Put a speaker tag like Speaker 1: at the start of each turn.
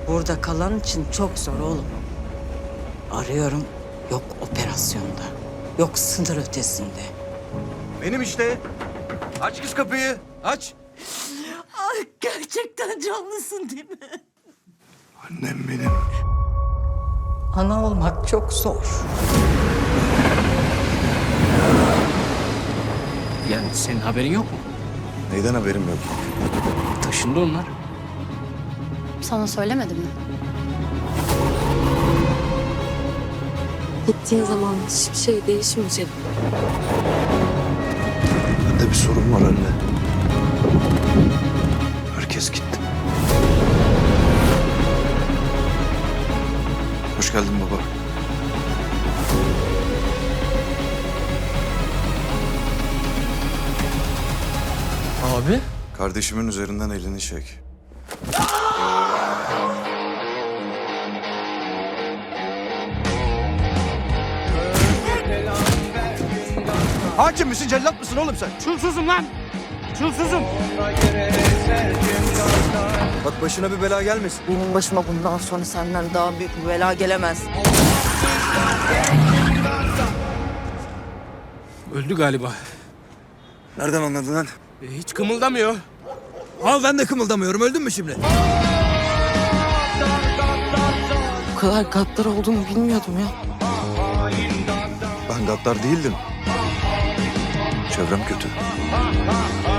Speaker 1: Burada kalan için çok zor oğlum. Arıyorum, yok operasyonda, yok sınır ötesinde.
Speaker 2: Benim işte. Aç kız kapıyı. Aç.
Speaker 1: Ay gerçekten canlısın değil mi?
Speaker 2: Annem benim.
Speaker 1: Ana olmak çok zor.
Speaker 3: Yani senin haberin yok mu?
Speaker 2: Neyden haberim yok?
Speaker 3: Taşındı onlar.
Speaker 4: Sana söylemedim mi?
Speaker 5: Gittiğin zaman hiçbir şey değişmeyecek.
Speaker 2: Bende bir sorun var anne. Herkes gitti. Hoş geldin baba.
Speaker 3: Abi?
Speaker 2: Kardeşimin üzerinden elini çek. Hakim misin, cellat mısın oğlum sen?
Speaker 3: Çulsuzum lan! Çulsuzum!
Speaker 2: Bak başına bir bela gelmesin.
Speaker 1: Benim başıma bundan sonra senden daha büyük bir bela gelemez.
Speaker 3: Öldü galiba.
Speaker 2: Nereden anladın lan?
Speaker 3: Hiç kımıldamıyor.
Speaker 2: Al ben de kımıldamıyorum. Öldün mü şimdi?
Speaker 1: Bu kadar gaddar olduğunu bilmiyordum ya.
Speaker 2: Ben gaddar değildim. Çevrem kötü.